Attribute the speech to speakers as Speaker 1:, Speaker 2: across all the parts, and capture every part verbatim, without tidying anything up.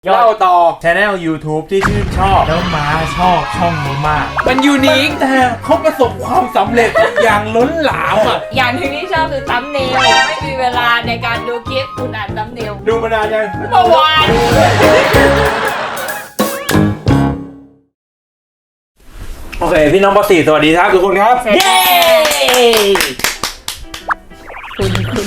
Speaker 1: เล่าต่อ Channel YouTube ที่ชื่นชอบแล้วม้าชอบช่องนี้มาก
Speaker 2: มันยูนิค
Speaker 1: แต่เขาประสบความสำเร็จอย่างล้นหลามอ่ะ
Speaker 2: อย่างที่ที่ชอบคือซัมเนลไม่มีเวลาในการดูคลิปคุณอ่านซัมเนล
Speaker 1: ดูมานานยัง
Speaker 2: เมื่อวาน
Speaker 1: โอเคพี่น้องป .สี่ สวัสดีครับทุกคนครับ
Speaker 2: เย้คุณคุณ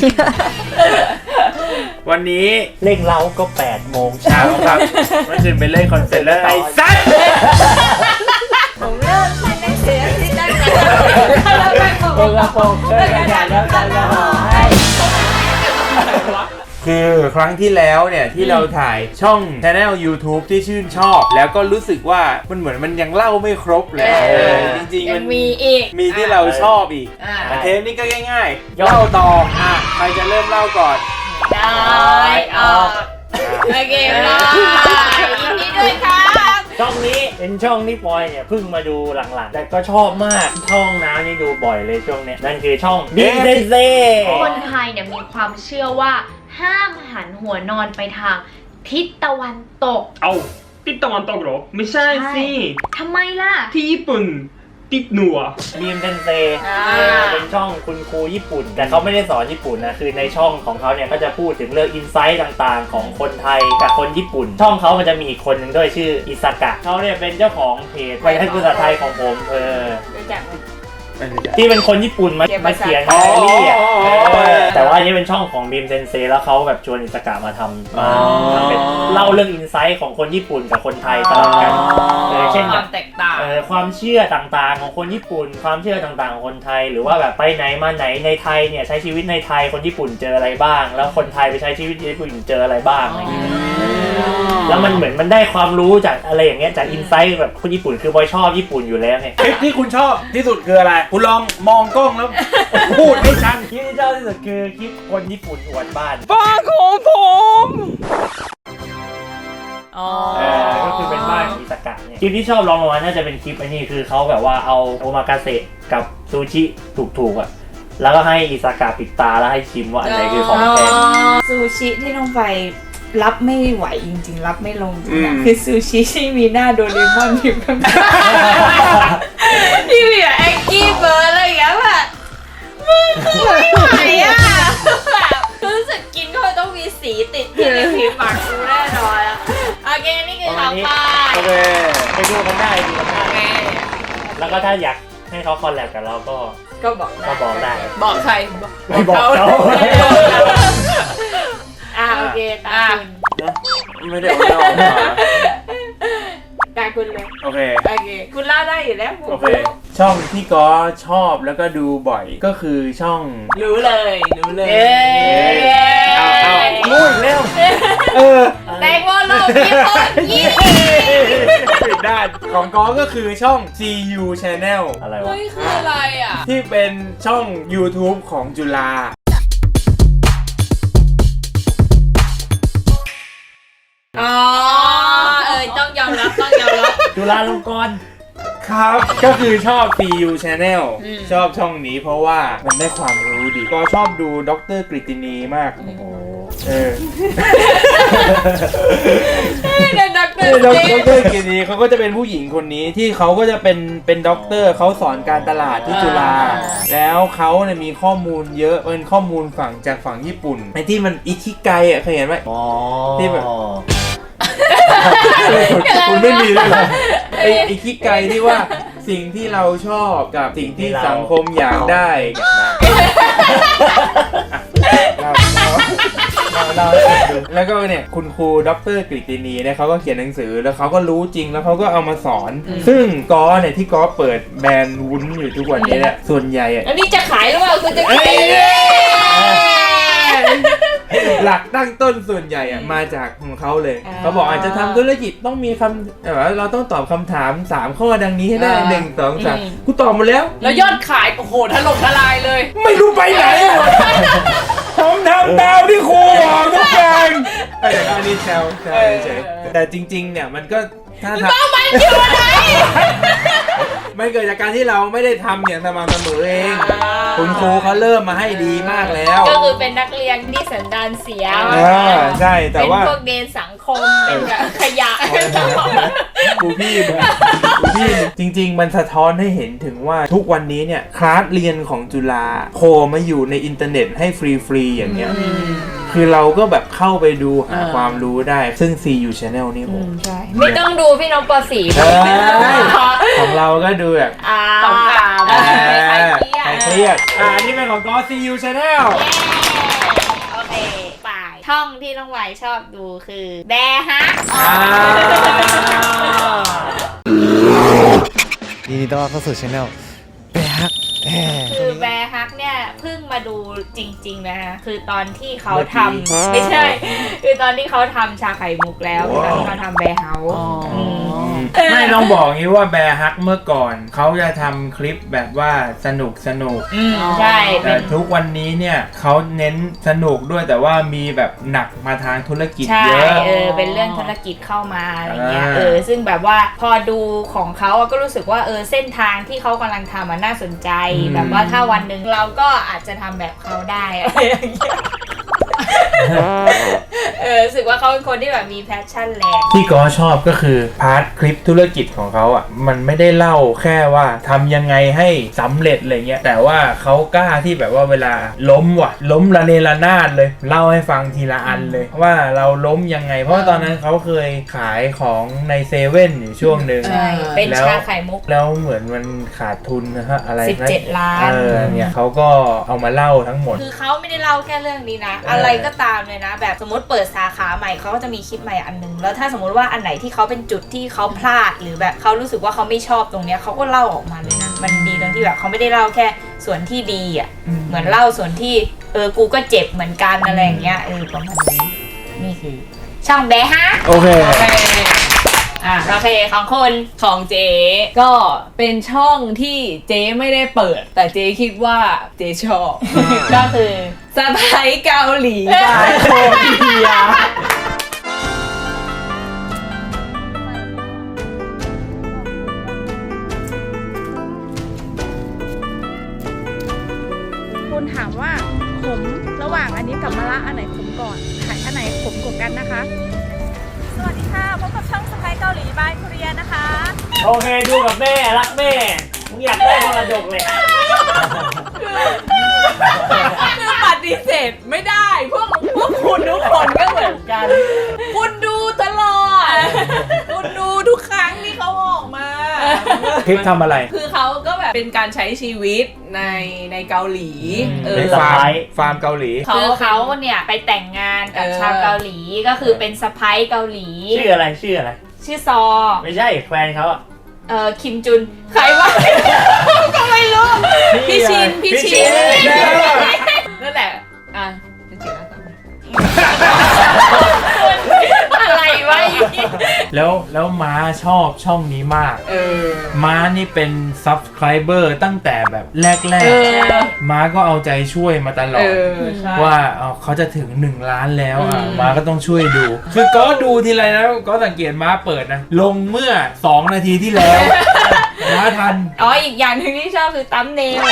Speaker 1: วันนี้
Speaker 3: เล่งเล้าก็แปดโมงเช้า
Speaker 1: ครับเมื่อคืนไปเล่นคอนเสิร์ตแล้วไอ้สัส
Speaker 2: ผมเริ่มใช้ในเสียงที่ได้กันแล้วไปบอก
Speaker 3: ว่าโปกเลิกกันแล้วกันแล้ว
Speaker 1: คือครั้งที่แล้วเนี่ยที่เราถ่ายช่อง Channel YouTube ที่ชื่นชอบแล้วก็รู้สึกว่ามันเหมือนมันยังเล่าไม่ครบเลยจริงๆมัน
Speaker 2: มีอีก
Speaker 1: มีที่เราชอบอีกเทปนี้ก็ง่ายๆเล่าต่ออ่ะใครจะเริ่มเล่าก่อน
Speaker 2: ได้ออกโอเคได้ยินดีด้วยครับ
Speaker 3: ช่องนี้เป็นช่องที่ปอยเนี่ยเพิ่งมาดูหลังๆแต่ก็ชอบมากช่องน้ำนี่ดูบ่อยเลยช่วงนี้นั่นคือช่องบิ๊กเซนเซ่
Speaker 4: คนไทยเนี่ยมีความเชื่อว่าห้ามหันหัวนอนไปทางทิศตะวันตก
Speaker 5: เอาทิศตะวันตกเหรอไม่ใช่สิ
Speaker 4: ทำไมล่ะ
Speaker 5: ที่ญี่ปุ่นทิศเหนือ
Speaker 3: บีมเซนเซ่เป็นช่องคุณครูญี่ปุ่นแต่เขาไม่ได้สอนญี่ปุ่นนะคือในช่องของเขาเนี่ยก็จะพูดถึงเรื่องอินไซต์ต่างๆของคนไทยกับคนญี่ปุ่นช่องเขามันจะมีอีกคนหนึ่งด้วยชื่ออิซากะเขาเนี่ยเป็นเจ้าของเพจไว้ให้ภาษาไทยของผมเออที่เป็นคนญี่ปุ่นมามาเขียนไดอารี่อ่ะแต่ว่าอันนี้เป็นช่องของบีมเซนเซแล้วเขาแบบชวนอิสกะมาทำทำเป็นเล่าเรื่องอินไซต์ของคนญี่ปุ่นกับคนไทยสลับกัน
Speaker 2: เช่นความแตกต่าง
Speaker 3: ความเชื่อต่างๆของคนญี่ปุ่นความเชื่อต่างๆของคนไทยหรือว่าแบบไปไหนมาไหนในไทยเนี่ยใช้ชีวิตในไทยคนญี่ปุ่นเจออะไรบ้างแล้วคนไทยไปใช้ชีวิตในญี่ปุ่นเจออะไรบ้างอะไรอย่างเงี้ยแล้วมันเหมือนมันได้ความรู้จากอะไรอย่างเงี้ยจากอินไซต์แบบคนญี่ปุ่นคือบอยชอบญี่ปุ่นอยู่แล้วไง
Speaker 1: คลิปที่คุณชอบที่สุดคืออะไรคุณลองมองกล้องแล้วพูดให้ชัด
Speaker 3: คลิปที่ชอบที่สุดคือคลิปคนญี่ปุ่นอวดบ้าน
Speaker 2: บ้านของผม
Speaker 3: อ๋อก็คือเป็นบ้านอิสกะเนี่ยคลิปที่ชอบลองลงมาน่าจะเป็นคลิปไอ้นี่คือเขาแบบว่าเอาโอมากาเสะกับซูชิถูกๆอ่ะแล้วก็ให้อิสกะปิดตาแล้วให้ชิมว่าอันไหนคือของแท้
Speaker 2: ซูชิที่น้องไปรับไม่ไหวจริงๆรับไม่ลงจริงๆคือซูชิที่มีหน้าโดเรมอนอยู่ข้างในที่มีแบบแองกี้เบิร์ดอะไรอย่างเงี้ยแบบมึงคือไม่ไหวอ่ะแบบรู้สึกกินก็ต้องมีสีติดที่ในผิวปากกูแน่นอนอ่ะโอเคนี่คือข่าวไป
Speaker 3: โอเคไปดูกันได้ดูกันได้แล้วก็ถ้าอยากให้เขาคอลแลบกับเราก็
Speaker 2: ก็บอกได้
Speaker 3: ก็บอกได้
Speaker 2: บอกใคร
Speaker 3: ไม่บอกเขา
Speaker 2: อ่าโอเคตา
Speaker 1: คุณไม่ได้เอาเล่ามา
Speaker 2: ตาคุณเลย
Speaker 1: โอเค
Speaker 2: โอเคคุณเล่าได้อยู่แล้ว
Speaker 1: โอเคช่องที่ก็ชอบแล้วก็ดูบ่อยก็คือช่อง
Speaker 2: รู้เลยรู้เลย
Speaker 1: เอาเอารู้อีกแล้วเออ
Speaker 2: แตงโมโลกยี่ห้อยี่
Speaker 1: ผิดด้านของก็ก็คือช่อง ซี ยู Channel
Speaker 3: อะไรวะ
Speaker 2: เฮ้ยคืออะไรอ่ะ
Speaker 1: ที่เป็นช่อง YouTube ของจุฬา
Speaker 2: อ๋อเออต้องยอมรับต้องยอมรับ
Speaker 3: จุฬาลงกรณ์
Speaker 1: ครับก็คือชอบ ซี ยู Channel ชอบช่องนี้เพราะว่ามันได้ความรู้ดีก็ชอบดูดร.กฤตินีมากโอ้โหเออ
Speaker 2: เด็กด็อกเตอร์
Speaker 1: ด็อกเตอร์กฤตินีเขาก็จะเป็นผู้หญิงคนนี้ที่เขาก็จะเป็นเป็นด็อกเตอร์เขาสอนการตลาดที่จุฬาแล้วเขาเนี่ยมีข้อมูลเยอะเป็นข้อมูลฝั่งจากฝั่งญี่ปุ่นไอ้ที่มันอิคิไกอ่ะเคยเห็นไหม
Speaker 3: อ๋อ
Speaker 1: ที่แบบคุณไม่มีเลยเหรอไอ้ไอ้คิดไกลที่ว่าสิ่งที่เราชอบกับสิ่งที่สังคมอยากได้แล้วก็เนี่ยคุณครูดร.กฤตินีเนี่ยเขาก็เขียนหนังสือแล้วเขาก็รู้จริงแล้วเขาก็เอามาสอนซึ่งกอเนี่ยที่กอเปิดแบรนด์วุ้นอยู่ทุกวันนี้เนี่ยส่วนใหญ่
Speaker 2: อันนี้จะขายหรือเปล่าคุณจะขาย
Speaker 1: หลักตั้งต้นส่วนใหญ่อะมาจากของเขาเลยเขาบอกอาจจะทำธุรกิจต้องมีคำแบบว่าเราต้องตอบคำถามสามข้อดังนี้ให้ได้หนึ่งสองสามกูตอบหมดแล้ว
Speaker 2: แล้วยอดขายโอ้โหถล่มทลายเลย
Speaker 1: ไม่รู้ไปไหนผมทำตามที่ครูบอกทุกอย่างแต่อันนี้แซวแซวเฉยแต่จริงๆเนี่ยมันก็ถ้าทำ
Speaker 2: มันอยู่ไหน
Speaker 1: มันเกิดจากการที่เราไม่ได้ทำอย่างสม่ำเสมอเองคุณครูเขาเริ่มมาให้ดีมากแล้ว
Speaker 2: ก็คือเป็นนักเรียนที่สันดานเสีย
Speaker 1: อ่าใช่แต่ว่า
Speaker 2: เป็นพวกเดนสังคมเป็นแบบขยะ
Speaker 1: ครูพี่มึงครูพี่มึงจริง ๆ มันสะท้อนให้เห็นถึงว่าทุกวันนี้เนี่ยคลาสเรียนของจุฬาโผล่มาอยู่ในอินเทอร์เน็ตให้ฟรีๆอย่างเงี้ยคือเราก็แบบเข้าไปดูหาความรู้ได้ซึ่ง ซี ยู Channel นี่ผม
Speaker 2: ใช่ไม่ต้องดูพี่น้องปอสี
Speaker 1: ใช่ของเราก็ดูแบบ
Speaker 2: อ่า
Speaker 4: สองข่าว
Speaker 1: อ่า
Speaker 2: ไม่ใครเครีย
Speaker 1: ใคร
Speaker 2: ด
Speaker 1: เครียดอ่านี่เป็นของก็ ซี ยู Channel
Speaker 2: โอเคไปช่องที่น้องไหวชอบดูคือแบร์ฮะ
Speaker 1: อ่า
Speaker 6: ยินดีต้อนรับเข้าสู่ช anel แบฮักแหม
Speaker 2: คือแบร์ฮักเนี่ยเพิ่งมาดูจริงๆนะคะคือตอนที่เขาทำ
Speaker 1: เมื่อกี้
Speaker 2: ไม่ใช่ คือตอนที่เขาทำชาไข่มุกแล้วตอนที่เขาทำแบร์เฮาส์ม
Speaker 1: ไม่ต้องบอกงี้ว่าแบร์ฮักเมื่อก่อนเขาจะทำคลิปแบบว่าสนุกสนุก
Speaker 2: อืมใช่
Speaker 1: แต่
Speaker 2: เป็น
Speaker 1: ทุกวันนี้เนี่ยเขาเน้นสนุกด้วยแต่ว่ามีแบบหนักมาทางธุรกิจ
Speaker 2: ใช่
Speaker 1: เยอะ
Speaker 2: เออเป็นเรื่องธุรกิจเข้ามาอะไรเงี้ย
Speaker 1: อ่า
Speaker 2: เออซึ่งแบบว่าพอดูของเขาอะก็รู้สึกว่าเออเส้นทางที่เขากำลังทำมันน่าสนใจ
Speaker 1: อืม
Speaker 2: แบบว่าถ้าวันหนึ่งเราก็อาจจะทำแบบเขาได้อะไรอย่างเงี้ยเออรู้สึกว่าเขาเป็นคนที่แบบมีแพชชั่นแรง
Speaker 1: ที่ก็ชอบก็คือพาร์ทคลิปธุรกิจของเขาอ่ะมันไม่ได้เล่าแค่ว่าทำยังไงให้สำเร็จอะไรเงี้ยแต่ว่าเขากล้าที่แบบว่าเวลาล้มว่ะล้มระเนระนาดเลยเล่าให้ฟังทีละอันเลยว่าเราล้มยังไง เพราะว่าตอนนั้นเขาเคยขายของในเซเว่นอยู่ช่วงหนึ่ง
Speaker 2: ใช่เป็น
Speaker 1: แล้ว
Speaker 2: ชาไข่มุก
Speaker 1: แล้วเหมือนมันขาดทุนนะฮะอะไรนะ
Speaker 2: สิบเจ็ดล้าน
Speaker 1: เออเนี่ยเขาก็เอามาเล่าทั้งหมด
Speaker 2: คือเขาไม่ได้เล่าแค่เรื่องนี้นะ
Speaker 1: เอออ
Speaker 2: อะไรก็ตามเลยนะ แบบสมมติเปิดสาขาใหม่เขาก็จะมีคลิปใหม่อันนึง แล้วถ้าสมมติว่าอันไหนที่เขาเป็นจุดที่เขาพลาดหรือแบบเขารู้สึกว่าเขาไม่ชอบตรงเนี้ยเขาก็เล่าออกมาเลยนะ มันดีตรงที่แบบเขาไม่ได้เล่าแค่ส่วนที่ดีอ่ะ เหมือนเล่าส่วนที่เออกูก็เจ็บเหมือนกันอะไรอย่างเงี้ยเออประมาณนี้นี่คือ ช่องแบฮะ
Speaker 1: โอเค
Speaker 2: โอเคอ่ะโอเคของคน
Speaker 7: ของเจ๊ก็เป็นช่องที่เจ๊ไม่ได้เปิด แต่เจ๊คิดว่าเจ๊ชอบ
Speaker 2: ก็คือ
Speaker 7: สะพ้ายเกาหลีบายโคเดีย
Speaker 8: คุณถามว่าขมระหว่างอันนี้กับมะระอันไหนขมก่อนไข่อันไหนขมกว่ากันนะคะ สวัสดีค่ะพบกับช่องสไปเกาหลีบายคุเรียนะคะ
Speaker 3: โอเคดูกับแม่รักแม่มึงอยากได้มรดกเลย
Speaker 7: คือปฏิเสธไม่ได้พวกพวกคุณทุกคนก็เหมือนกัน คุณดูตลอด คุณดูทุกครั้งที่เขาออกมา
Speaker 1: คลิปทำอะไร
Speaker 7: คือเขาก็แบบเป็นการใช้ชีวิตในในเกาหลี เออ
Speaker 1: ในฟาร์มฟาร์มเกาหลี
Speaker 2: คือเขาเนี่ยไปแต่งงานกับ
Speaker 7: เออ
Speaker 2: ชาวเกาหลีก็คือเป็นสะพ้ายเกาหลี
Speaker 3: ชื่ออะไรชื่ออะไร
Speaker 2: ชื่อซอ
Speaker 3: ไม่ใช่แฟนเขาอะ
Speaker 2: เออคิมจุนใครวะ ก็ไม่รู้
Speaker 7: พี่ชินพี่ชิน
Speaker 1: พี่ชิน
Speaker 7: นั่นแหละ อ่ะเป็นจิตอาสา
Speaker 2: อะไรวะ
Speaker 1: แล้วแล้วม้าชอบช่องนี้มาก
Speaker 7: เออ
Speaker 1: ม้านี่เป็น subscriber ตั้งแต่แบบแรก
Speaker 7: เออ
Speaker 1: ๆ ม้าก็เอาใจช่วยมาตลอ
Speaker 7: เอ
Speaker 1: ด
Speaker 7: อใช่
Speaker 1: ว่าเอ่อเขาจะถึงหนึ่งล้านแล้วอ่ะ
Speaker 7: อืม
Speaker 1: ม้าก็ต้องช่วยดู คือก็ดูทีไรนะก็สังเกตม้าเปิดนะ ลงเมื่อสองนาทีที่แล้ว ม้าทัน
Speaker 2: อ๋ออีกอย่างหนึ่งที่ชอบคือตั้มเนล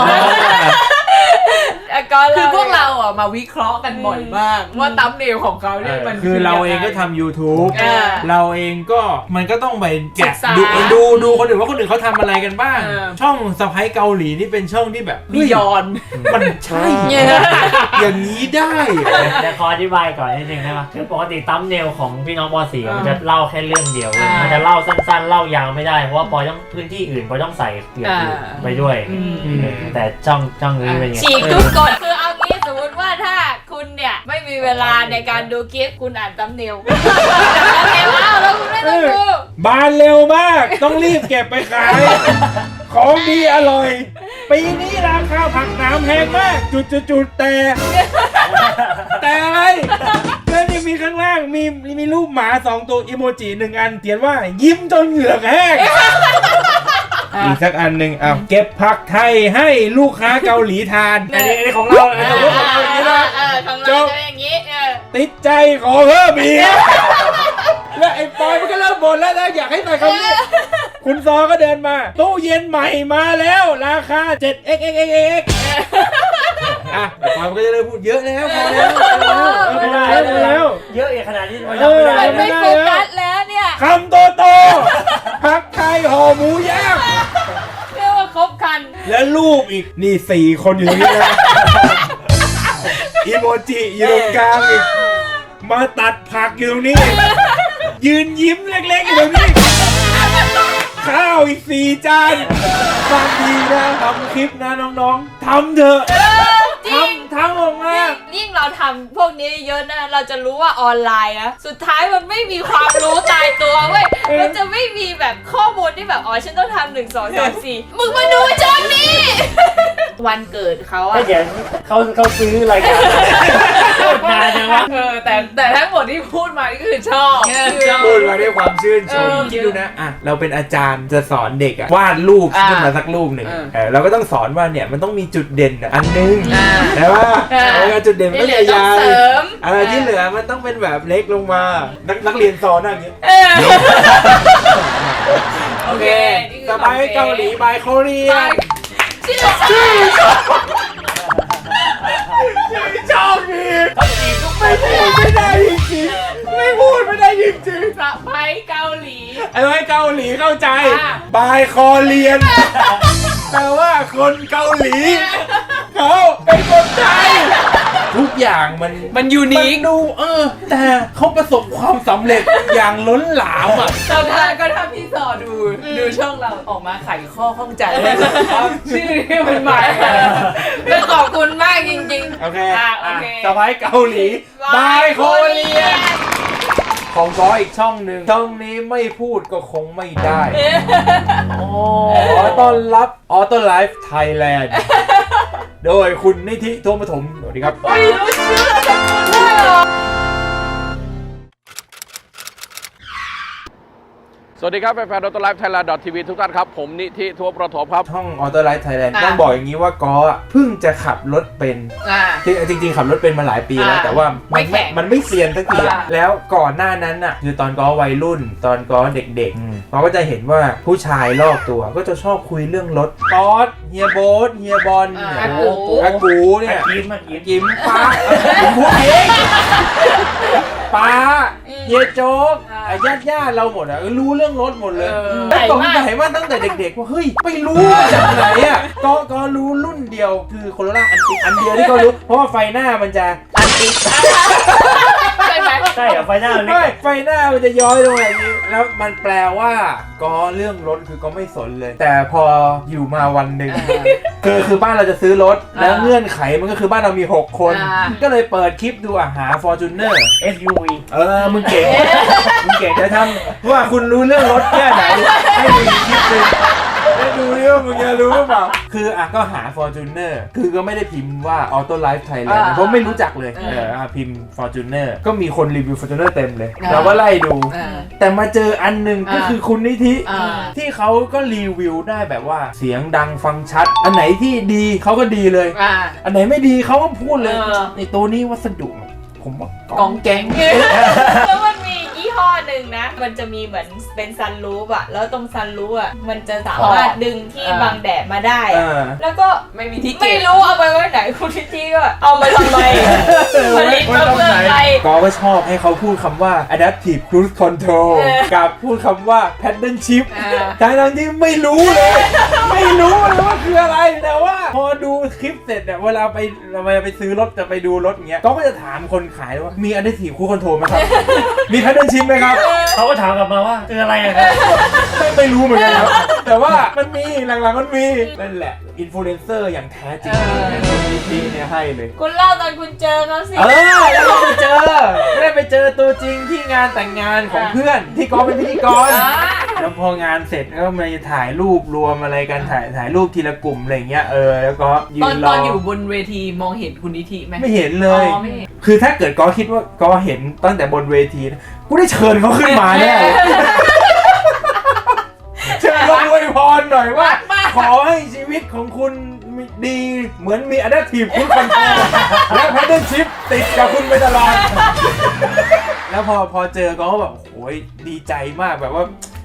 Speaker 2: แล้วก็
Speaker 7: คือพวกเราอ่ะมาวิเคราะห์กันบ่อยมาก ว่าตัมเนลของเขาเนี่ยมัน
Speaker 1: คือเราเองก็
Speaker 7: ยังไ
Speaker 1: ทำ YouTube
Speaker 7: เออ
Speaker 1: เราเองก็มันก็ต้องไปแกะ
Speaker 7: ศึกษา
Speaker 1: ดูดูดูคนอื่นว่าคนอื่นเขาทำอะไรกันบ้าง
Speaker 7: เออ
Speaker 1: ช่องสะพ้ายเกาหลีนี่เป็นช่องที่แบบ
Speaker 7: มียอน
Speaker 1: มันใช่ อย่างนี้ได้
Speaker 3: เดี๋ยวขออธิบายก่อนนิดนึงได้ไหมคือปกติตั้มเนลของพี่น้องปอสี่
Speaker 7: อ่ามั
Speaker 3: มันจะเล่าแค่เรื่องเดียว
Speaker 7: อ่ามั
Speaker 3: มันจะเล่าสั้นๆ เล่ายาวไม่ได้ เพราะว่าปอต้องพื้นที่อื่นปอต้องใส่เกี่ยวอื่น
Speaker 7: อ่า
Speaker 3: ไปด้วย
Speaker 7: อืม
Speaker 3: เออแต่ช่องช่องนี้เป็นไง
Speaker 2: ฉีกทุกกฎคือเอางี้สมมติว่าถ้าคุณเนี่ยไม่มีเวลาในการดูคลิปคุณอ่านตั้มเนลตั้มเนลเอาแล้วคุณไม่ต้องดู
Speaker 1: บานเร็วมาก ต้องรีบเก็บไปขาย ของดีอร่อย ปีนี้ราคาผักน้ำแพงมาก จุดจุดจุดแต่ แต่อะไรแล้วนี่มีข้างล่างมีมีรูปหมาสองตัวอีโมจิหนึ่งอันเขียนว่ายิ้มจนเหงือกแห้ง อีกสักอันหนึ่งอ่ะเก็บผักไทยให้ลูกค้าเกาหลีทาน อันนี้อันนี้ของเราอันนี้ของเราอย่างนี้นะ
Speaker 2: เออของเราจะอย่างนี้เออ
Speaker 1: ติดใจขอเพิ่มอีก แล้วไอ้ปอยมันก็เริ่มบ่นแล้วนะอยากให้ใส่คำนี้คุณซอก็เดินมาตู้เย็นใหม่มาแล้วราคา เจ็ดเอ็กซ์เอ็กซ์เอ็กซ์เอ็กซ์ อ่ะแต่ความก็จะได้พูดเยอะแล้วพอแล้วพอแล้วพอแล้วพอแล้ว
Speaker 3: เยอะอย่างขนาดนี้มัน
Speaker 1: เอ
Speaker 3: ทำ
Speaker 1: อ
Speaker 3: ไม่ได้
Speaker 2: มันไม่โฟกัสแล้วเนี่ย
Speaker 1: คำโตโตผักไทยห่อหมูย่าง
Speaker 2: เรียกว่าครบคัน
Speaker 1: และรูปอีกนี่สี่คนอยู่ตรงนี้นะอีโมจิอยู่ตรงกลางอีกมาตัดผักอยู่ตรงนี้ ยืนยิ้มเล็กๆอยู่ตรงนี้ ข้าวอีกสี่จานบางทีนะทำคลิปนะน้องๆทำเถอะทำทำออกมา
Speaker 2: ยิ่งเราทำพวกนี้เยอะนะเราจะรู้ว่าออนไลน์นะสุดท้ายมันไม่มีความรู้ตายตัวเว้ยมันจะไม่มีแบบข้อมูลที่แบบอ๋อฉันต้องทำหนึ่งสองสามสี่มึงมาดูช่องนี้ วันเกิดเขาอะ
Speaker 3: ถ้าเดี๋ยวเขาเขาซื้อรายการโคตรนานจังวะ
Speaker 7: เออแต่แต่ทั้งหมดที่พูดมานี่ก็คือชอบ
Speaker 1: พูดมาด้วยความชื่นชม
Speaker 7: เออ
Speaker 1: คิดดูนะอ่ะเราเป็นอาจารย์จะสอนเด็กอะวาดรูป
Speaker 7: อ่า
Speaker 1: ขึ้นมาสักรูปหนึ่ง
Speaker 7: เออ
Speaker 1: เออเราก็ต้องสอนว่าเนี่ยมันต้องมีจุดเด่นอะอันนึง
Speaker 7: อ่า
Speaker 1: แต่ว่า
Speaker 7: อ่า
Speaker 1: เออจุดเด่นมัน
Speaker 7: ที่
Speaker 1: ก็
Speaker 7: เหลือต้อง
Speaker 1: ใหญ่
Speaker 7: เสริม
Speaker 1: ๆเออที่เหลือมันต้องเป็นแบบเล็กลงมา นักนักเรียนสอนอย่างเงี้ย
Speaker 7: เออโอเค
Speaker 1: สบายเกาหลีบายโคเรีย
Speaker 7: ชื่อ
Speaker 1: ชอบดีไม่พูดไม่ได้จริงๆไม่พูดไม่ได้จริง
Speaker 7: สะไปเกาหลี
Speaker 1: ๆไอ้ไว้เกาหลีเข้าใจ
Speaker 7: อ่ะ
Speaker 1: บายคอเรียนแปลว่าคนเกาหลีเขาเป็นคนไทยทุกอย่างมัน
Speaker 7: มันยู
Speaker 1: มั
Speaker 7: นิคน
Speaker 1: ดูเออ แต่เขาประสบความสำเร็จอย่างล้นหลามอ่ะ
Speaker 7: ตอนท้ายก็ถ้าพี่สอดูดูช่องเราออกมาไขข้อข้องใจเลยครับชื่อที่มันใหม่แล้วขอบคุณมากจริงๆ
Speaker 1: โอเค
Speaker 7: อ่ะโอเค
Speaker 1: สบายเกาหลีบายโคเรียนของก้ออีกช่องหนึ่งช่องนี้ไม่พูดก็คงไม่ได้ขอต้อนรับออโต้ไลฟ์ไทยแลนด์โดยคุณนิธิโทมปฐมสวัสดีครับ
Speaker 7: ไม่รู้ชื่อสกุลด้วยเหรอ
Speaker 9: สวัสดีครับแฟนๆ ออโต้ไลฟ์ไทยแลนด์ ที วี ทุกท่านครับ ผมนิธิทั่วประถมครับ
Speaker 1: ช่องออโต้ไลฟ์ไทยแลนด์
Speaker 7: อ่ะ
Speaker 1: ต้องบอกอย่างนี้ว่าก้ออ่ะเพิ่งจะขับรถเป็น
Speaker 7: อ่า
Speaker 1: จริงจริงๆขับรถเป็นมาหลายปีแล้ว
Speaker 7: อ่า
Speaker 1: แต่ว่ามัน
Speaker 7: ไม่แข็ง
Speaker 1: มันไม่เซียนสักทีอะ
Speaker 7: อ่า
Speaker 1: แล้วก่อนหน้านั้นน่ะคือตอนก้อวัยรุ่น ตอนก้อเด็กๆเราก็จะเห็นว่าผู้ชายรอบตัวก็จะชอบคุยเรื่องรถก๊อตเฮียโบ๊ทเฮียบอล
Speaker 7: อ่า
Speaker 1: เนี่ยโอ้โหอากูเนี่ย
Speaker 3: กินมากิน
Speaker 1: กิมป้าผมพูดเองป้าเฮียโจ๊กญาติญาติๆเราหมดอ่ะรู้เรื่องรถหมดเลย
Speaker 7: เออ
Speaker 1: แต่สงสัยมากตั้งแต่เด็กๆว่าเฮ้ยไปรู้มาจากไหนอ่ะก็ก็รู้รุ่นเดียวคือโคโรล่าอันติอันเดียวที่ก็รู้เพราะว่าไฟหน้ามันจะอันติ
Speaker 7: ใช่ไหม
Speaker 3: ใช่เหรอไฟหน้ามันเล็
Speaker 1: ไม่
Speaker 3: ก
Speaker 1: ไฟหน้ามันจะย้อยลงแบบนี้แล้วมันแปลว่าก็เรื่องรถคือก็ไม่สนเลย แต่พออยู่มาวันหนึ่งคือคือบ้านเราจะซื้อรถแล้วเงื่อนไขมันก็คือบ้านเรามีหกคน
Speaker 7: อ่า
Speaker 1: ก็เลยเปิดคลิปดูอ่ะหา Fortuner
Speaker 3: เอส ยู วี
Speaker 1: เออ มึงเก่ง มึงเก่งจะทำว่าคุณรู้เรื่องรถแค่ไหน ให้ดูอีกคลิปหนึงให้ดูดิว่ามึงจะรู้หรือเปล่า คืออ่ะก็หา Fortuner คือก็ไม่ได้พิมพ์ว่า Auto Life Thailand
Speaker 7: อ่า
Speaker 1: เพราะไม่รู้จักเลย
Speaker 7: อ่า
Speaker 1: เอออ่ะพิมพ์ Fortuner ก็มีคนรีวิว Fortuner เต็มเลย
Speaker 7: อ่า
Speaker 1: เราก็ไล่ดู
Speaker 7: อ่า
Speaker 1: แต่มาเจออันหนึ่งก็
Speaker 7: อ่า
Speaker 1: คือคุณนิธิ
Speaker 7: อ่า
Speaker 1: ที่เขาก็รีวิวได้แบบว่าเสียงดังฟังชัด อันไหนที่ดีเขาก็ดีเลย
Speaker 7: อ่า
Speaker 1: อันไหนไม่ดีเขาก็พูดเลย
Speaker 7: เออ
Speaker 1: ในตัวนี้วัสดุผมว่าก
Speaker 7: องแกง
Speaker 2: แล้วมันมียี่ห้อหนึ่งนะ มันจะมีเหมือนเป็นซันรูฟอะแล้วตรงซันรูฟอะมันจะสามารถดึงที่
Speaker 7: อ่า
Speaker 2: บังแดดมาได้
Speaker 1: เอ
Speaker 2: อะ
Speaker 1: อ
Speaker 2: แล้วก็
Speaker 7: ไม่มีที่เก็
Speaker 2: ไม่
Speaker 7: บ
Speaker 2: รู้เอาไปไว้ไหนคุณทิตี้ก็เอามาทำไมผลิตมาเพื่ออะไร
Speaker 1: ก็ก็ชอบให้เขาพูดคำว่า adaptive cruise control
Speaker 2: เออ
Speaker 1: กับพูดคำว่า paddle shift
Speaker 7: อ่า
Speaker 1: ทั้งๆที่ไม่รู้เลย ไม่รู้เลยว่าคืออะไร แต่ว่าพอดูคลิปเสร็จเนี่ยเวลาไปเราไปซื้อรถจะไปดูรถอย่างเงี้ยก็จะถามคนขายว่ามี adaptive cruise control ไหมครับ มี paddle shift ไหมครับ
Speaker 3: เขาก็ถามกลับมาว่าคืออะไรอะครับ
Speaker 1: ไม่ไม่รู้เหมือนกันครับแต่ว่ามันมีหลังๆมันมีนั่นแหละอินฟลูเอนเซอร์อย่างแท้จริงที่เนี่ยให้เลย
Speaker 2: คุณเล่าตอนคุณเจอเขาสิ
Speaker 1: เออแล้วก็ไปเจอไม่ได้ไปเจอตัวจริงที่งานแต่งงานของเพื่อนที่กอเป็นพิธีกร
Speaker 7: อ่า
Speaker 1: แล้วพองานเสร็จก็มาถ่ายรูปรวมอะไรกันถ่ายถ่ายรูปทีละกลุ่มอะไรเงี้ยเออแล้วก็ยื
Speaker 7: ตอน
Speaker 1: นร
Speaker 7: ต
Speaker 1: อ
Speaker 7: อนอยู่บนเวทีมองเห็นคุณนิธิไหม
Speaker 1: ไม่เห็นเลย
Speaker 7: อ๋อไม่เห็น
Speaker 1: คือถ้าเกิดกอคิดว่ากอเห็นตั้งแต่บนเวทีนะกูได้เชิญเขาขึ้นมาแน่เลยเชิญเขาอวยพรหน่อยว่า ขอให้ชีวิตของคุณดีเหมือนมี adaptive cruise control และ paddle shift ติดกับคุณไปตลอด แล้วพอพอเจอก็แบบโอ้ยดีใจมากแบบว่า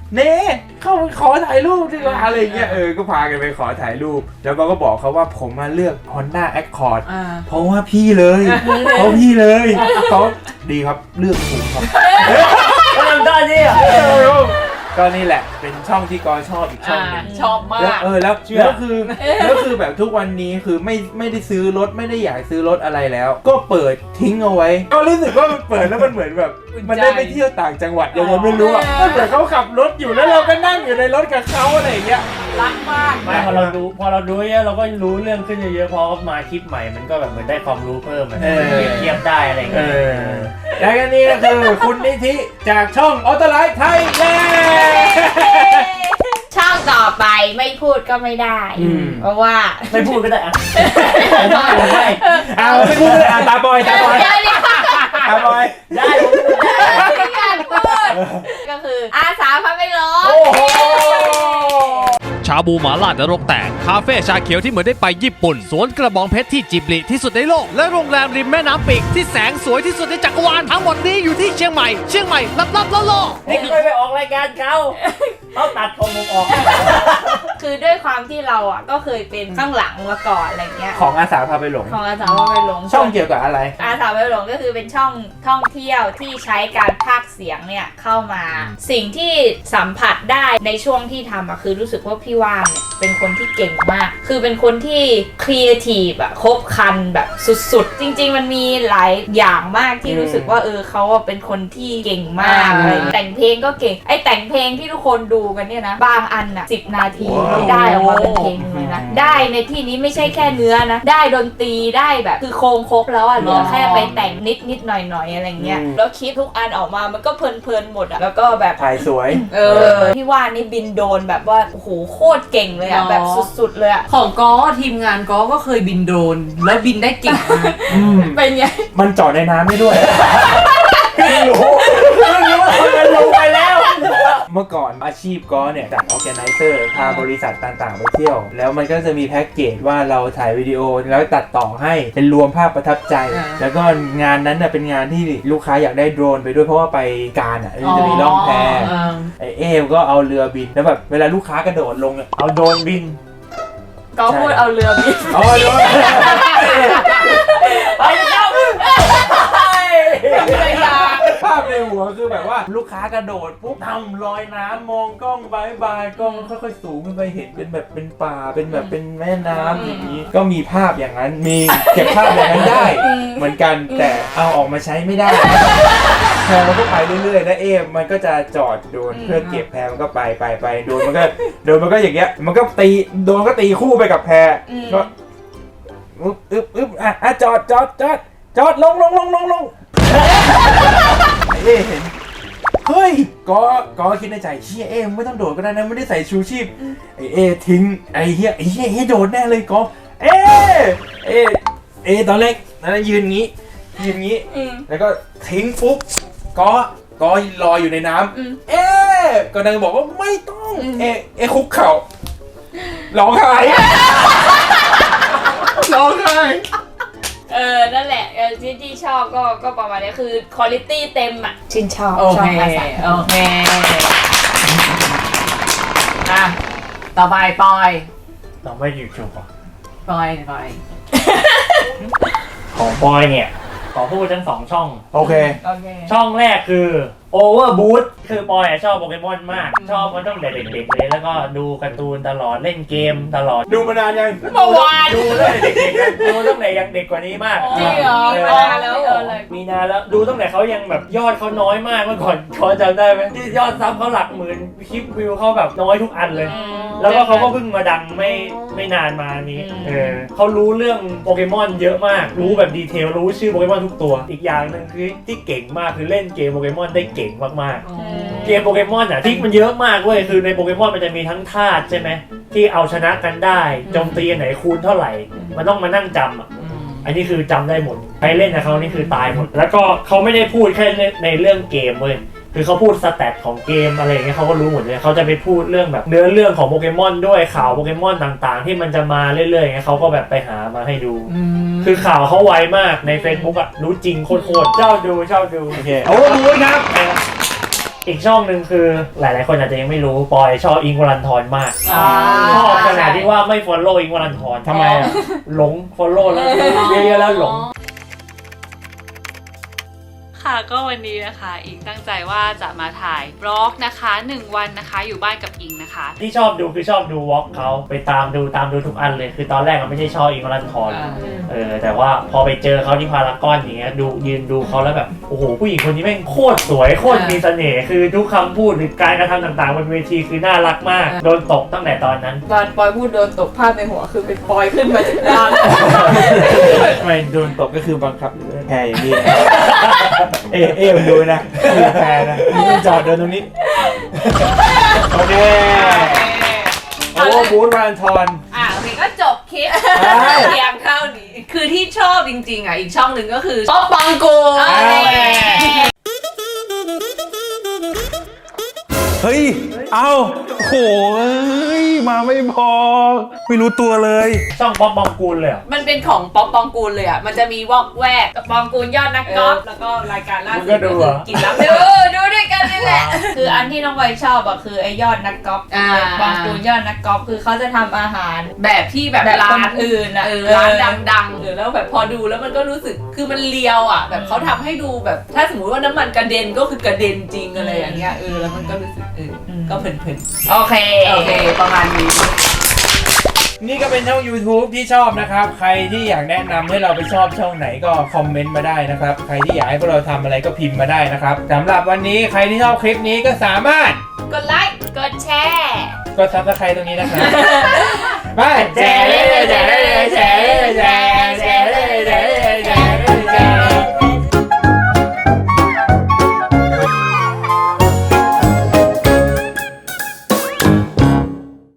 Speaker 1: เน่เข้าไปขอถ่ายรูปดีกว่าอะไรเงี้ยเออก็พากันไปขอถ่ายรูปแล้วก็บอกเขาว่าผมมาเลือก Honda Accord
Speaker 7: อ่า
Speaker 1: เพราะว่าพี่เลยเพราะพี่เลยเขาดีครับเลือกถูกครับ
Speaker 3: ก็ทำได้นี่อ่ะ
Speaker 1: ก็นี่แหละเป็นช่องที่กอชอบอีกช่องหนึง
Speaker 7: ชอบมา
Speaker 1: แล้ว
Speaker 7: ก
Speaker 1: เออแล้ว
Speaker 3: เชื่อ
Speaker 1: แล้วคือแล้วคือแบบทุกวันนี้คือไม่ไม่ได้ซื้อรถไม่ได้อยากซื้อรถอะไรแล้ว ก็เปิดทิ้งเอาไว้ ก็รู้สึกว่ามันเปิดแล้วมันเหมือนแบบ
Speaker 7: อุ่นใจ
Speaker 1: มันได้ไปเที่ยวต่างจังหวัดยังไงไม่รู้อ่ะ
Speaker 7: เออ
Speaker 1: ก็เหมือนเขาขับรถอยู่แล้วเราก็นั่งอยู่ในรถกับเขาอะไรอย่างเงี้ย
Speaker 7: รักมาก
Speaker 3: ไม่พอเราดูพอเราดูเยอะเราก็รู้เรื่องขึ้นเยอะๆพอมาคลิปใหม่มันก็แบบเหมือนได้ความรู้เพิ่มมัน
Speaker 1: เออ
Speaker 3: เปรียบเทียบได้อะไรอย่าง
Speaker 1: เอ
Speaker 3: เงี้ย
Speaker 1: อแล้วก็นี่ก็คือคุณนิธิจากช่องออโต้ไลฟ์ไทยแลนด์
Speaker 2: ช่องต่อไปไม่พูดก็ไม่ได้
Speaker 1: อืม
Speaker 2: เพราะว่า
Speaker 3: ไม่พูดก็ได้อะผมได้ผมได้
Speaker 1: เอาไม่พูดเลยอ่ะตาบอยตาบอย
Speaker 2: เดี๋ยวเดี๋ยว
Speaker 1: ตาบอย
Speaker 3: ได้ผมพูดได้
Speaker 2: ไม่อยากพูดก็คืออาสาพาไปรถ
Speaker 1: โอ้โห
Speaker 6: ชาบูหมาล่านรกแตก คาเฟ่ชาเขียวที่เหมือนได้ไปญี่ปุ่น สวนกระบองเพชรที่จิบลิที่สุดในโลก และโรงแรมริมแม่น้ำปิกที่แสงสวยที่สุดในจักรวาล ทั้งหมดนี้อยู่ที่เชียงใหม่ เชียงใหม่ลับลับล่อล่อ
Speaker 3: นี่เคยไปออกรายการเขาเขาตัดของผมออก
Speaker 2: คือด้วยความที่เราอ่ะก็เคยเป็นข้างหลังมาก่อนอะไรเงี้ย
Speaker 1: ของอาสาพาไปหลง
Speaker 2: ของอาสาพาไปหลง
Speaker 1: ช่องเกี่ยวกับอะไร
Speaker 2: อาสาไปหลงก็คือเป็นช่องท่องเที่ยวที่ใช้การพากย์เสียงเนี่ยเข้ามา สิ่งที่สัมผัสได้ในช่วงที่ทำอะคือรู้สึกว่าพี่ว่างเนี่ยเป็นคนที่เก่งมาก คือเป็นคนที่ครีเอทีฟอะครบครันแบบสุดๆ จริงๆมันมีหลายอย่างมากที่รู้สึกว่าเออเขาอะเป็นคนที่เก่งมากอะไรอย่างเงี้ยแต่งเพลงก็เก่งไอแต่งเพลงที่ทุกคนดูกันเนี่ยนะบางอันอะสิบนาทีไม่ได้ออกมาเป็นเพลงเลยนะได้ในที่นี้ไม่ใช่แค่เนื้อนะได้ดนตรีได้แบบคือโครงครบแล้วอะเหลือแค่ไปแต่งนิดนิดๆหน่อยหน่อยๆอะไรเงี้ย
Speaker 1: อืม
Speaker 2: แล้วคลิปทุกอันออกมามันก็เพลินๆหมดอะแล้วก็แบบ
Speaker 1: ถ่ายสวย
Speaker 2: เออพี่ว่านนี่บินโดรนแบบว่าโอ้โหโคตรเก่งเลยอะ
Speaker 7: อ๋อ
Speaker 2: แบบสุดๆเลยอะ
Speaker 7: ของก้อทีมงานก้อก็เคยบินโดรนแล้วบินได้เก่งมาก
Speaker 1: อืม
Speaker 2: เป็นไง
Speaker 1: มันจอดในน้ำได้ด้วยเพิ่งรู้เพิ่งรู้ว่ามันลงไปแล้ว เมื่อก่อนอาชีพก็เนี่ยจัดออแกไนเซอร์พาบริษัทต่างๆไปเที่ยว แล้วมันก็จะมีแพ็กเกจว่าเราถ่ายวิดีโอแล้วตัดต่อให้เป็นรวมภาพประทับใจ
Speaker 7: อ่า
Speaker 1: แล้วก็งานนั้นน่ะเป็นงานที่ลูกค้าอยากได้โดรนไปด้วยเพราะว่าไปการอ่ะมันจะมีล่องแพ
Speaker 7: อ่า
Speaker 1: ไอเอมก็เอาเรือบินแล้วแบบเวลาลูกค้ากระโดดลงอะ
Speaker 3: เอาโดรนบิน
Speaker 2: ก็พูดเอาเรือบิน
Speaker 1: เอาโดรน
Speaker 3: ไปแล้ว
Speaker 1: ภาพในหัวคือแบบว่าลูกค้ากระโดดปุ๊บทำลอยน้ำมองกล้องบายบายกล้องค่อยๆสูงขึ้นไปเห็นเป็นแบบเป็นป่าเป็นแบบเป็นแม่น้ำอย่างนี้ ก็มีภาพอย่างนั้นมีเก็บภาพอย่างนั้นได้ เหมือนกันแต่เอาออกมาใช้ไม่ได้แพรมันก็ไปเรื่อยๆแล้วเอมมันก็จะจอดโดนเพื่อเก็บแพรมันก็ไปไปไปโดนมันก็โดนมันก็อย่างเงี้ยมันก็ตีโดนก็ตีคู่ไปกับแพรก็อึ๊บอึ๊บอึ๊บอ่ะอ่ะจอดจอดจอดจอดลงลงลงลงลง ไอ้เอ๊เห็นเฮ้ยก็ก็คิดในใจเฮียเอ๊ไม่ต้องโดดก็ได้นะไม่ได้ใส่ชูชีพไอ้เอ๊ทิ้งไอ้เฮียไอ้เฮียเอ๊โดดแน่เลยก็เอ๊เอ๊เอ๊ตอนแรกนั้นยืนงี้ยืนงี้แล้วก็ทิ้งปุ๊บก็ก็ลอยอยู่ในน้ำเอ๊ก็นางบอกว่าไม่ต้องเอ๊เอ๊คุกเข่าร้องไห้ร้องไห้
Speaker 2: เออนั่นแหละเออที่ที่ชอบก็ก็ประมาณนี้คือคุณภาพเต็มอ่ะชื่นชอบ
Speaker 7: โอ
Speaker 2: ชอ
Speaker 7: เค
Speaker 2: บอาสา
Speaker 7: โอเคอ่ะต่อไปปอย
Speaker 3: เราไม่อยู่ชูก่อน
Speaker 7: ปอยปอย
Speaker 3: ของบอยเนี่ยขอพูดทั้งสองช่อง
Speaker 1: โอเค
Speaker 2: โอเค
Speaker 3: ช่องแรกคือ Overboot คือปอยอะชอบโปเกมอนมาก ชอบมันตั้งแต่เด็กๆเลยแล้วก็ดูการ์ตูนตลอดเล่นเกมตลอด
Speaker 1: ดูมานานยัง
Speaker 2: เมื่อวาน
Speaker 3: ดูตั้งแต่เด็กๆนะดูตั้งแต่ยังเด็กกว่านี้มาก
Speaker 2: จริงเหรอ
Speaker 3: เอ
Speaker 2: มี
Speaker 3: อ
Speaker 2: มานานแล้วเออเลย
Speaker 3: มีนานแล้วดูตั้งแต่เขายังแบบยอดเขาน้อยมากเมื่อก่อนเขาจำได้ไหมที่ยอดซับเขาหลักหมื่นคลิปวิวเขาแบบน้อยทุกอันเลย แล้วก็เขาก็เพิ่งมาดังไม่ไม่นานมานี้ เออเขารู้เรื่องโปเกมอนเยอะมาก รู้แบบดีเทล รู้ชื่อโปเกมอนทุกตัว อีกอย่างหนึ่งคือที่เก่งมากคือเล่นเกมโปเกมอนได้เก่งมากๆ เกมโปเกมอนอ่ะที่มันเยอะมากเว้ย คือในโปเกมอนมันจะมีทั้งธาตุใช่ไหมที่เอาชนะกันได้โจมตีอันไหนคูณเท่าไหร่ มันต้องมานั่งจำอ่ะ อันนี้คือจำได้หมด ใครเล่นกับเขานี่คือตายหมด แล้วก็เขาไม่ได้พูดแค่ในเรื่องเกมเว้ย คือเขาพูดสแตทของเกมอะไรอย่างเงี้ยเขาก็รู้หมดเลยเขาจะไปพูดเรื่องแบบเนื้อเรื่องของโปเกมอนด้วยข่าวโปเกมอนต่างๆ ที่มันจะมาเรื่อยๆอย่างเงี้ยเขาก็แบบไปหามาให้ดู คือข่าวเขาไวมากใน Facebook อ่ะรู้จริงโคตรๆเจ้าดูเจ้าดู
Speaker 1: โอเคโอ้โหครับ
Speaker 3: อีกช่องหนึ่งคือหลายๆคนอาจจะยังไม่รู้ปอยชอบอิงค์วรันทรมากชอบขนาดที่ว่าไม่ฟอลโล่อิงค์วรันทร
Speaker 1: ทำไมอ่ะ
Speaker 3: หลงฟอลโล่แล้วเยอะๆแล้วหลง
Speaker 10: ค่ะก็วันนี้นะคะอิงตั้งใจว่าจะมาถ่ายบล็อกนะคะหนึ่งวันนะคะอยู่บ้านกับอิงนะคะ
Speaker 3: ที่ชอบดูคือชอบดูวอล์กเขาไปตามดูตามดูทุกอันเลยคือตอนแรกมันไม่ใช่ชอบอิงค์วรันทรเออแต่ว่าพอไปเจอเขาที่พารากอนอย่างเงี้ยดูยืนดูเขาแล้วแบบโอ้โหผู้หญิงคนนี้แม่งโคตรสวยโคตรมีเสน่ห์คือทุกคำพูดหรือการกระทำต่างๆบนเวทีคือน่ารักมากโดนตกตั้งแต่ตอนนั้น
Speaker 2: ตอนปอยพูดโดนตกภาพในหัวคือเป็นปอยขึ้นมาจากน้ำ
Speaker 1: ทำไมโดนตบก็คือบังคับแพรอย่างนี้ เอเอมันดูนะคือแพรนะมันจอดเดินตรงนี้ โอเคโอ้บูธวรันทร
Speaker 7: อ่ะโอเคก็จบคลิป
Speaker 1: ใช่
Speaker 7: เพียงเท่านี้คือที่ชอบจริงๆอ่ะอีกช่องหนึ่งก็คือป๊อปปองกู
Speaker 11: เฮ้ย เอาโหยมาไม่พอ ไม่รู้ตัวเลย
Speaker 3: ช่องป๊อปบองกูลเลยเหรอ
Speaker 7: มันเป็นของป๊อปปองกูลเลยอ่ะมันจะมีวอกแวกกับปองกูลยอดนักกอล์ฟแล้วก็รายการล่าสุดก็คือกินแล้วดูดูด้วยกันนี่แหละ
Speaker 2: คืออันที่น้องไวชอบอะคือไอยอดนักกอล์ฟ
Speaker 7: อ่า
Speaker 2: บางตูนยอดนักกอล์ฟคือเขาจะทำอาหาร
Speaker 7: แบบที่แบบ
Speaker 2: แบบ
Speaker 7: ร้า
Speaker 2: คน นอื่นอะ
Speaker 7: เออร้านดังๆเออแล้วแบบพอดูแล้วมันก็รู้สึกคือมันเลียวอ่ะแบบเขาทำให้ดูแบบถ้าสมมติว่าน้ำมันกระเด็นก็คือกระเด็นจริงอะไรอย่างเงี้ยเออแล้วมันก็รู้สึกเออก็เพลินๆ
Speaker 2: โอเค
Speaker 7: โอเคประมาณนี้
Speaker 1: นี่ก็เป็นช่อง YouTube ที่ชอบนะครับ ใครที่อยากแนะนำให้เราไปชอบช่องไหนก็คอมเมนต์มาได้นะครับ ใครที่อยากให้พวกเราทำอะไรก็พิมพ์มาได้นะครับสำหรับวันนี้ใครที่ชอบคลิปนี้ก็สามารถ
Speaker 7: กดไลค์ กดแชร์
Speaker 1: กดซับสไครต์ตรงนี้นะครับ ไปแจกเลยแจ